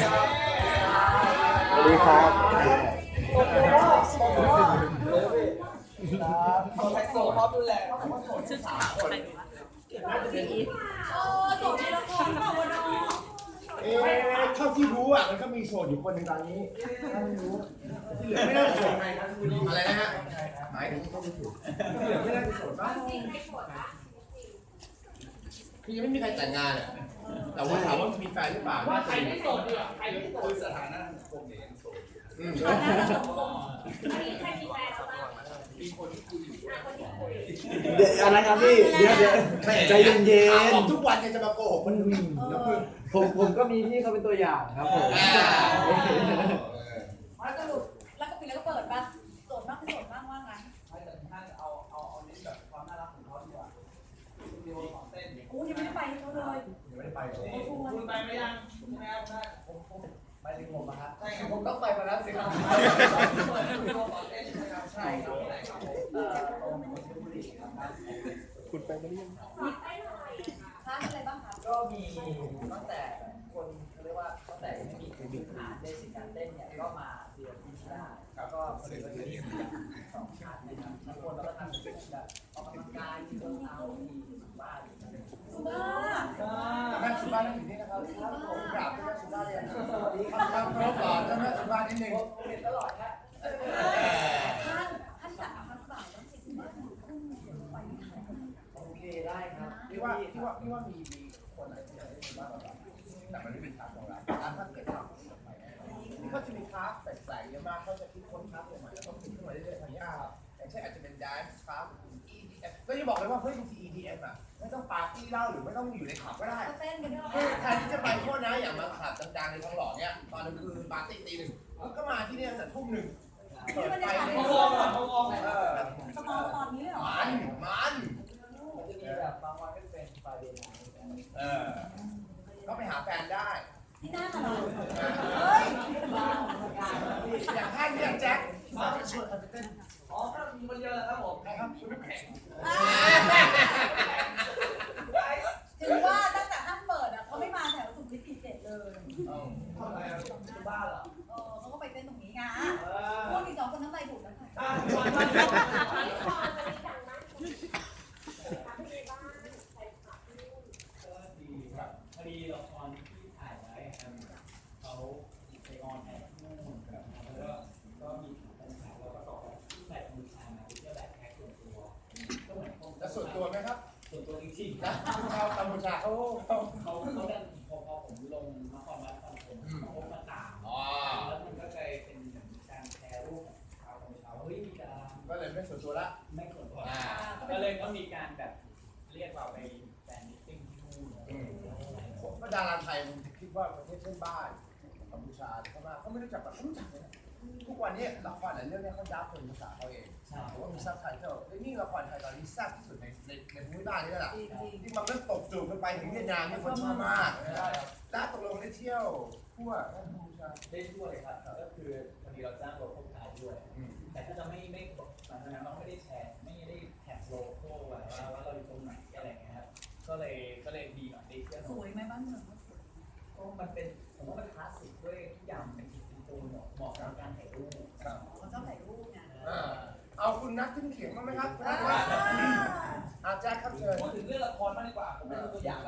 สวัสดีครับไฮโซพร้อมดูแลเท่าที่รู้อ่ะมันก็มีโสดอยู่คนหนึ่งตอนนี้ถ้าไม่รู้ที่เหลือไม่น่าจะโสดอะไรนะฮะหมายถึงเขาไม่ถูกที่เหลือไม่น่าจะโสดบ้างคือยังไม่มีใครแต่งงานอ่ะแต่ว่าถามว่ามีแฟนหรือเปล่าว่าใครไม่โสดดีอ่ะใครไม่โสดสถานะคงเนี่ยโสดเดี๋ยวอะไรครับพี่เดี๋ยวใจเย็นๆทุกวันจะมาโกหกคนอื่นผมก็มีพี่เขาเป็นตัวอย่างครับผมสรุปแล้วก็ปิดแล้วก็เปิดป่ะโสดมากไม่โสดมากว่างั้นท่านเอาเน้นแบบความน่ารักของเขาดีกว่าวิดีโอของเต้นกูยังไม่ได้ไปเขาเลยยังไม่ได้ไปคุณไปไหมยังไม่เอาได้ผมไปถึงผมนะครับใช่ครับผมต้องไปมาแล้วสิครับวิดีโอของเต้นใช่ครับคุณไปมาหรือยังค้าอะไรบ้างคะก็มีตั้งแต่คนเขาเรียกว่าตั้งแต่ไม่มีพื้นฐานเบสิกการเต้นเนี่ยก็มาเรียนที่ได้แล้วก็เรียนที่สองชั้นนะครับบางคนเราก็ทำเป็นแบบออกกำลังกายมีเดินเท้ามีบ้านสุบ้าแม่สุบ้านั่งอยู่นี่นะครับผมกราบแม่สุบ้าเรียนสวัสดีครับครบก่อนแม่สุบ้านิดนึงเรียนตลอดฮะท่านจัดอาหารสายต้องติดบ้านไปโอเคได้ครับพี่ว่ามีคนอะไรที่อยากได้สุบ้าแบบแต่มันไม่เป็นทางของเราถ้าเกิดทำไปนี่เขาจะมีคลาสแปลกๆเยอะมากเขาจะคิดค้นคลาสใหม่ๆแล้วก็คิดขึ้นมาเรื่อยๆทางยากอย่างเช่นอาจจะเป็น dance class EDM ก็จะบอกเลยว่าเฮ้ยบางที EDM อ่ะไม่ต้องปาร์ตี้เหล้าหรือไม่ต้องอยู่ในคลับก็ได้เต้นกันด้วยแทนที่จะไปโทษนะอย่างมาคลับดังๆในทองหล่อเนี่ยตอนกลางคืนปาร์ตี้ตี 1ก็มาที่นี่ตั้งแต่ทุ่ม 1เปิดไฟในห้องสมอลตอนนี้เหรอมันจะมีแบบบางวันก็เป็นไฟเดย์ไนท์ก็ไปหาแฟนได้ที่หน้ามาหรอเฮ้ยอย่างท่านเนี่ยแจ็คมาชวนกันไปเต้นอ๋อก็มีคนเดียวแหละครับผมใครครับคุณน้ำแข็งถึงว่าตั้งแต่ท่านเปิดอ่ะเขาไม่มาแถวสุขุมวิท47เลยทำอะไรที่บ้านเหรอเขาก็ไปเต้นตรงนี้ไงพวกอีก2คนน้ำลายถูกแล้วค่ะพอดีละครที่ถ่ายไว้เขาไปออนแอร์ที่นู่นแล้วก็มีปัญหาแล้วก็ต่อแบบมือชามาเที่ยวแบบแพ็คส่วนตัวก็เหมือนจะส่วนตัวไหมครับส่วนตัวจริงๆนะชาวกัมพูชาเขาดันพอผมลงนครวัดตอนผมเขามาตามแล้วมันก็กลายเป็นการแชร์รูปชาวกัมพูชาเฮ้ยมีดาราก็เลยไม่ส่วนตัวละไม่ส่วนตัวก็เลยก็มีการแบบเรียกเราไปแฟนมิทติ้งที่นู่นก็ดาราไทยมันคิดว่าประเทศเพื่อนบ้านกัมพูชาเขามาเขาไม่รู้จักแบบรู้จักเลยนะทุกวันนี้ละครหลายเรื่องเนี่ยเขาดับเป็นภาษาเขาเองหรือว่ามีซับไตเติลนี่ละครไทยตอนนี้แซ่บที่สุดในภูมิภาคนี้แหละที่มันก็ตกจูบกันไปถึงเวียดนามที่คนชอบมากแล้วตกลงได้เที่ยวทั่วกัมพูชาได้ทั่วเลยครับก็คือพอดีเราจ้างโลโก้ขายด้วยแต่ถ้าจะไม่หลังจากนั้นเราไม่ได้แชร์ไม่ได้แท็กโลโก้ไว้ว่าเราอยู่ตรงไหนอะไรเงี้ยครับก็เลยดีหน่อยได้เที่ยวสวยไหมบ้านเมืองก็มันเป็นผมว่ามันคลาสสิกด้วยทุกอย่างเป็นอินโทรเหมาะกับการถ่ายรูปเขาชอบถ่ายรูปไงเอาคุณนัทขึ้นเขียงมาไหมครับคุณนัทว่าอาจารย์ครับเชิญพูดถึงเรื่องละครมากดีกว่าผมเป็นตัวอย่าง